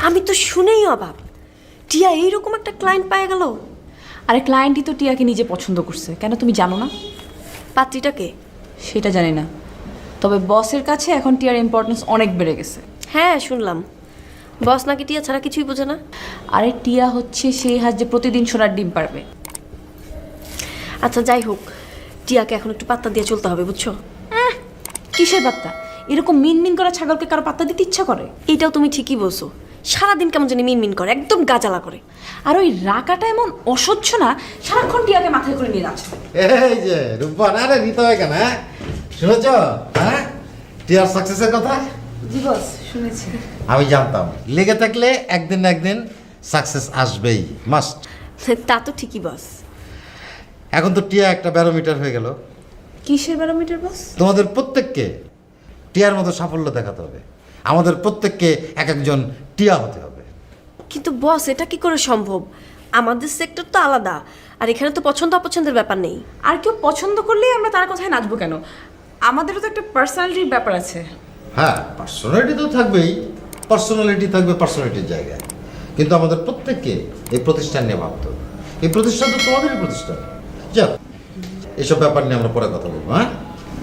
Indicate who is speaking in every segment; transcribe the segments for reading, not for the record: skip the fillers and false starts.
Speaker 1: আমি তো শুনেই অবাক, টিয়া এইরকম একটা ক্লায়েন্ট পেয়ে গেল।
Speaker 2: আরে ক্লায়েন্টই তো টিয়াকে নিজে পছন্দ করছে, কেন তুমি জানো না?
Speaker 1: পাত্রীটাকে?
Speaker 2: সেটা জানি না, তবে বসের কাছে এখন টিয়ার ইম্পর্টেন্স অনেক বেড়ে গেছে।
Speaker 1: হ্যাঁ শুনলাম, বস নাকি টিয়া ছাড়া কিছুই বোঝে না।
Speaker 2: আরে টিয়া হচ্ছে সেই হাত যে প্রতিদিন সোনার ডিম পারবে।
Speaker 1: আচ্ছা যাই হোক, টিয়াকে এখন একটু পাত্তা দিয়ে চলতে হবে, বুঝছো?
Speaker 2: কিসের পাত্তা? এরকম মিনমিন করা ছাগলকে কারো পাত্তা দিতে ইচ্ছা করে?
Speaker 1: এইটাও তুমি ঠিকই বলছো, সারাদিন কেমন জানি মিনমিন করে, একদম গাজালা করে।
Speaker 2: আর ওই রাকাটা এমন অসহ্য না, সারাক্ষণ টিয়াকে মাথায় করে নিয়ে যাচ্ছে।
Speaker 3: এই যে রূপবান, আরে নিতে হয় কেন? হ্যাঁ শুনেছ? হ্যাঁ টিয়ার সাকসেসের কথা
Speaker 2: জি বস, শুনেছি।
Speaker 3: আমি জানতাম, লেগে থাকলে একদিন না একদিন সাকসেস আসবেই, মাস্ট।
Speaker 1: তা তো ঠিকই বস।
Speaker 3: এখন তো টিয়া একটা ব্যারোমিটার হয়ে গেল।
Speaker 2: কিসের ব্যারোমিটার বস?
Speaker 3: তোমাদের প্রত্যেককে টিয়ার মতো সাফল্য দেখাতে হবে, আমাদের প্রত্যেককে এক একজন টিয়া হতে হবে।
Speaker 1: কিন্তু বস এটা কি করে সম্ভব? আমাদের সেক্টর তো আলাদা, আর এখানে তো পছন্দ অপছন্দের ব্যাপার নেই।
Speaker 2: আর কেউ পছন্দ করলেই আমরা তার কথায় নাচবো কেন? আমাদেরও তো একটা পার্সোনালিটির ব্যাপার আছে।
Speaker 3: হ্যাঁ, পার্সোনালিটি তো থাকবেই, পার্সোনালিটি থাকবে পার্সোনালিটির জায়গায়, কিন্তু আমাদের প্রত্যেককে এই প্রতিষ্ঠান নিয়ে ভাবতে হবে। এই প্রতিষ্ঠান তো তোমাদেরই প্রতিষ্ঠান। যাক, এসব ব্যাপার নিয়ে আমরা পরে কথা বলবো। হ্যাঁ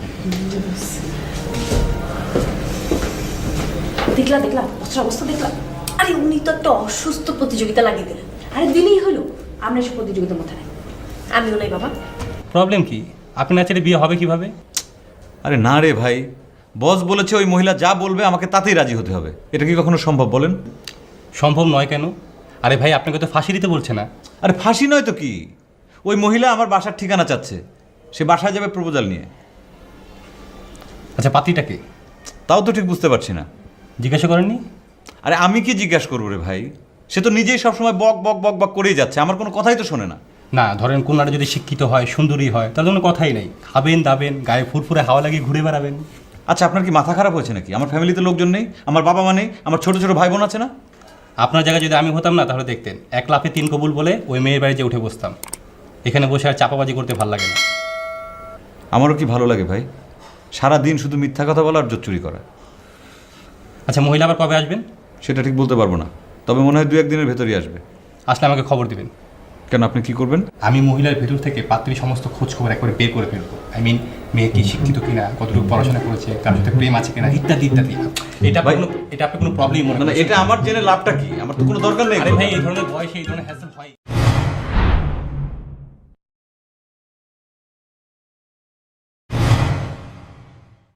Speaker 2: দেখলা দেখলা বসের অবস্থা দেখলা?
Speaker 1: আরে উনি তো একটা অসুস্থ প্রতিযোগিতা লাগিয়ে দিলেন।
Speaker 2: আরে দিলেই হলো, আমরা এসব প্রতিযোগিতার মধ্যে নাই।
Speaker 1: আমিও নাই বাবা।
Speaker 4: প্রবলেম কি? আপনি না চাইলে বিয়ে হবে কিভাবে?
Speaker 5: আরে না রে ভাই, বস বলেছে ওই মহিলা যা বলবে আমাকে তাতেই রাজি হতে হবে। এটা কি কখনো সম্ভব বলেন?
Speaker 4: সম্ভব নয় কেন? আরে ভাই, আপনাকে তো ফাঁসি দিতে বলছে না।
Speaker 5: আরে ফাঁসি নয় তো কি, ওই মহিলা আমার বাসার ঠিকানা চাচ্ছে, সে বাসায় যাবে প্রপোজাল নিয়ে।
Speaker 4: আচ্ছা, পাত্রীটাকে
Speaker 5: তাও তো ঠিক বুঝতে পারছি না।
Speaker 4: জিজ্ঞাসা করেননি?
Speaker 5: আরে আমি কি জিজ্ঞাসা করবো রে ভাই? সে তো নিজেই সবসময় বক বক বক বক করেই যাচ্ছে, আমার কোনো কথাই তো শোনে না।
Speaker 4: না, ধরেন কন্যাটা যদি শিক্ষিত হয়, সুন্দরী হয়, তাহলে কোনো কথাই নেই। খাবেন দাবেন, গায়ে ফুরফুরে হাওয়া লাগিয়ে ঘুরে বেড়াবেন।
Speaker 5: আচ্ছা, আপনার কি মাথা খারাপ হয়েছে নাকি? আমার ফ্যামিলিতে লোকজন নেই, আমার বাবা মা নেই, আমার ছোট ছোট ভাই বোন আছে না?
Speaker 4: আপনার জায়গায় যদি আমি হতাম না, তাহলে দেখতেন 1 লাফে 3 কবুল বলে ওই মেয়ের বাড়িতে উঠে বসতাম। এখানে বসে আর চাপাবাজি করতে ভালো লাগে না।
Speaker 5: আমারও কি ভালো লাগে ভাই, সারা দিন শুধু মিথ্যা কথা বলা আর জোর চুরি করা।
Speaker 4: আচ্ছা, মহিলা আবার কবে আসবেন?
Speaker 5: সেটা ঠিক বলতে পারবো না, তবে মনে হয় 2-1 দিনের ভেতরই আসবে।
Speaker 4: আসলে আমাকে খবর দিবেন।
Speaker 5: কেন, আপনি কি করবেন?
Speaker 4: আমি মহিলার ভেতর থেকে পাত্রীর সমস্ত খোঁজ খবর একবারে বের করে ফেলবো। মেয়ে কি শিক্ষিত কিনা, কতটুকু পড়াশোনা করেছে, কার সাথে প্রেম আছে কিনা, ইত্যাদি ইত্যাদি। এটা আপনি কোনো প্রবলেম মনে
Speaker 5: মানে
Speaker 4: করছেন?
Speaker 5: এটা আমার জেনে লাভটা কি? আমার তো কোনো দরকার নেই।
Speaker 4: আরে ভাই, এই ধরনের বয়সে এই ধরনের হ্যাসেল হয়।